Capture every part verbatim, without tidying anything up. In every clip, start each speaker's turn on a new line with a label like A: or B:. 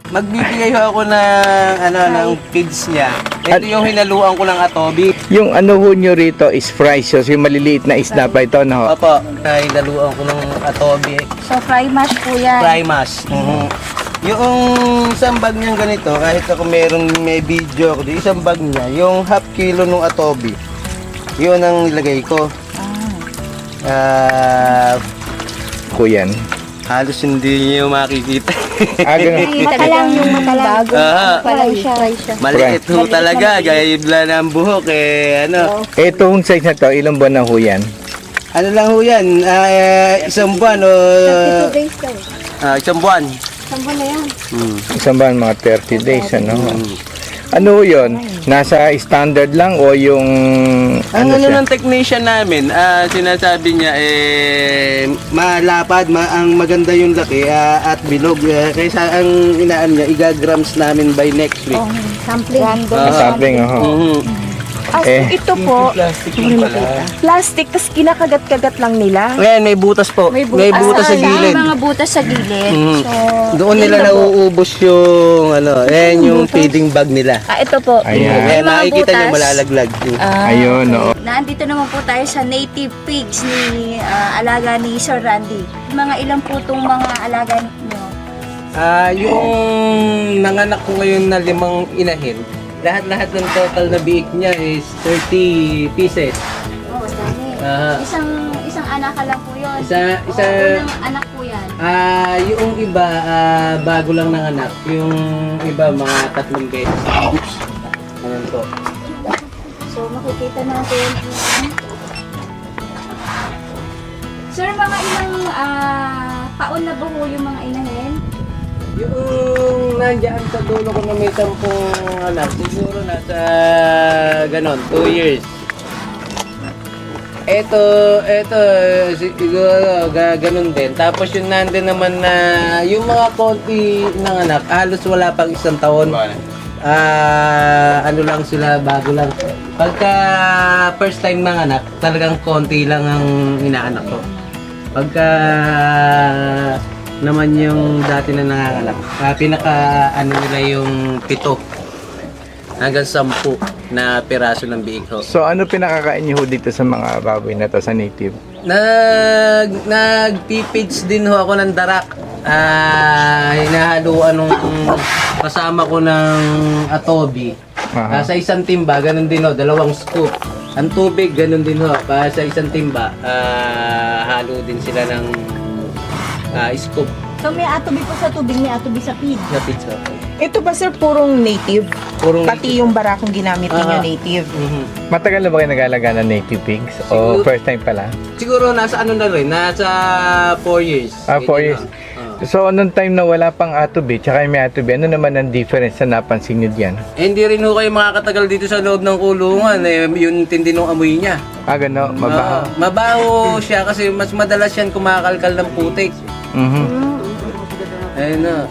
A: magbibigay ho ako ng ano ng feeds niya. Ito yung hinaluan ko ng atobi.
B: Yung ano ho nyo rito is fries, so yung maliliit na isda pa ito, no?
A: Opo, na hinaluan ko ng atobi.
C: So, fry mash po yan.
A: Fry mash. Mhm. Yung isang bag niyang ganito, kahit ako merong may video ako, isang bag niya, yung half kilo ng atobi, yun ang nilagay ko. Ah,
B: Kuyan.
A: halos hindi niyo makikita.
B: Ah, ganun.
C: Mata lang yung mata lang. Bago.
A: Ah,
C: Fry siya. Fry siya.
A: maliit ho talaga, gaya ibla ng buhok eh, ano.
B: Itong size na to, ilang buwan na ho yan?
A: Ano lang ho yan, ah, isang buwan o
C: thirty-two days daw.
A: ah, isang buwan.
C: Saan na yan?
A: Hmm.
B: Isang buwan, mga thirty days, ano? Ano ho yun? Nasa standard lang o yung...
A: Ang ano
B: siya?
A: ng technician namin, ah, sinasabi niya eh malapad, ma ang maganda yung laki ah, at bilog. Uh, kaysa ang inaan niya, igagrams namin by next week.
C: Oh, sampling. Random.
B: Ah, sampling, oh.
A: Mhm.
D: Ah, so
B: Eh.
D: ito po,
A: Plastic lang pala.
D: plastic, tas kinakagat-kagat lang nila.
A: Ngayon, may butas po. May butas, sa
C: Ah,
A: gilid.
C: May mga butas sa gilid.
A: Mhm.
C: So,
A: Doon nila nauubos yung ano, ayan yung feeding bag nila.
D: Ah, ito po.
B: Ayan.
A: Kaya
C: mga
A: makikita niyo
C: butas.
A: malalaglag.
D: Ah,
B: Ayun, oo.
C: Nandito naman po tayo sa native pigs ni ah, alaga ni Sir Randy. Mga ilang po itong mga alaga niyo?
A: Ah, yung nanganak ko ngayon na limang inahin, lahat-lahat ng total na biik niya is thirty pieces.
C: Oh, dami.
A: Ah.
C: Isang isang anak ka lang po yun.
A: Isa, isa,
C: Oh, unang anak po yan.
A: ah, yung iba, ah, bago lang nanganak. Yung iba, mga tatlong beses. Oops. Ayan po.
C: So, makikita natin. Sir, mga ilang ah, taon na ba po yung mga inahin?
A: Yung nandiyan sa dulo ko na may sampung anak, siguro nasa ganon, two years. Ito, ito, siguro ga- ganon din. Tapos yung nandun naman na, yung mga konti ng anak, halos wala pang isang taon. Ah, ano lang sila, bago lang. Pagka first time ng anak, talagang konti lang ang inaanak ko. Pagka naman yung dati na nanganganak, ah, pinaka ano nila yung pito hanggang sampu na piraso ng biig ho.
B: So, ano pinakakain niyo ho dito sa mga baboy na to sa native?
A: Nag nagpipids din ho ako ng darak. Ah, hinahaluan nung kasama ko ng atobi.
B: Aha.
A: Ah, sa isang timba, ganun din ho, dalawang scoop. Ang tubig, ganun din ho. Pa sa isang timba, ah, halo din sila ng ah, scoop
C: So, may atobi po sa tubig, may atobi sa pig.
A: na pizza.
D: ito ba sir, purong native?
A: Purong
D: Pati yung barakong ginamit ninyo
A: Ah.
D: native.
A: Mhm.
B: Matagal na ba kayo nag-alaga ng native pigs? O
A: Siguro-
B: first time pala?
A: Siguro nasa ano na rin, nasa four years.
B: Ah, four
A: Ganyan
B: years.
A: na. Ah.
B: So, anong time na wala pang atobi, tsaka may atobi, ano naman ang difference na napansin nyo diyan?
A: Eh, hindi rin ho kayo makakatagal dito sa loob ng kulungan. Eh, yung tindi ng amoy niya.
B: Ah, gano, mabaho.
A: Ah, mabaho siya kasi mas madalas yan kumakalkal ng putik.
B: Mhm.
A: Ayun no.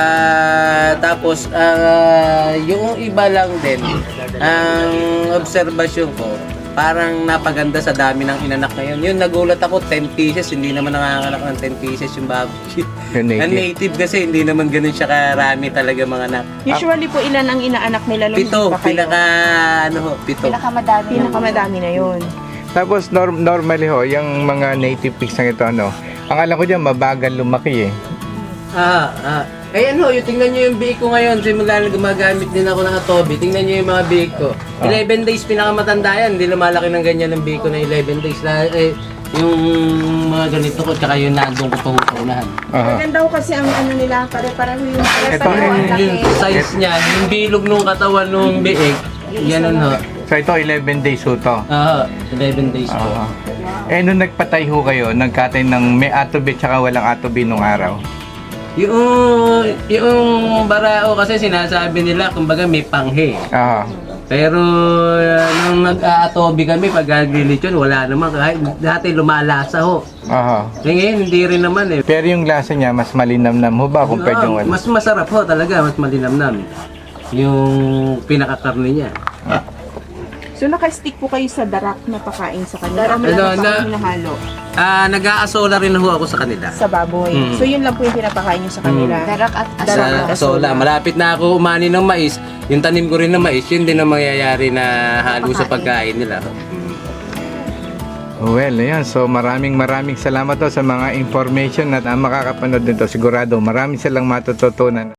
A: Ah, tapos, ah, yung iba lang din, ang obserbasyon ko, parang napaganda sa dami ng inanak ngayon. Yun, nagulat ako, ten pieces, hindi naman nanganganak ng ten pieces yung baboy.
B: Yung
A: Ang
B: native.
A: native kasi, hindi naman ganun siya karami talaga mga anak.
D: Usually po ilan ang inaanak nila nung
A: Pito,
D: hindi pa kayo?
A: pinaka, ano ho, pito.
C: Pinakamadami.
D: Pinakamadami na yun.
B: Tapos, norm normally ho, yung mga native pigs na ito, ano, ang alam ko dyan, mabagal lumaki eh.
A: Ah, ah. Ayan ho, yung tingnan nyo yung biik ko ngayon. Simula na gumagamit din ako ng atobi. Tingnan nyo yung mga biik ko. eleven days pinakamatanda yan. Hindi lumalaki ng ganyan ng biik ko na eleven days. Na, eh, yung mga ganito ko, tsaka yung nandun ko pa sa unahan.
B: Aha.
D: Maganda ko kasi ang ano nila, pare-pareho yung
B: Ito,
D: pare-pareho ang
A: Yung,
D: laki.
A: yung size niya, yung bilog nung katawan nung biik, ganun ho.
B: So, ito, eleven days ho to.
A: Ah, eleven days po.
B: Aha. Eh, nung nagpatay ho kayo, nagkatay ng may atobi tsaka walang atobi nung araw.
A: Yung, yung barao kasi sinasabi nila, kumbaga may panghe.
B: Aha.
A: Pero uh, nung nag-aatobi kami, pag gagrilitsyon, wala naman. Kahit dati lumalasa ho.
B: Aha.
A: Eh, ngayon, hindi rin naman eh.
B: Pero yung lasa niya, mas malinamnam ho ba compared
A: Ah,
B: yung ano?
A: mas masarap ho talaga, mas malinamnam. Yung pinakakarne niya.
D: So naka-stick po kayo sa darak na pakain sa kanila.
C: Darak
D: O may
A: na-
D: iba pa
A: na-
D: kayong hinahalo
A: Ah, nag-aasola rin ho ako sa kanila.
D: sa baboy.
A: Mm.
D: So yun lang po yung pinapakain nyo sa kanila.
C: Darak at
A: Sa
C: asola.
A: asola. Malapit na ako umani ng mais. Yung tanim ko rin ng mais, yun din ang mangyayari na halo sa pagkain nila.
B: Well, ayan. So maraming maraming salamat to sa mga information at uh, makakapanood nito. Sigurado maraming silang matututunan.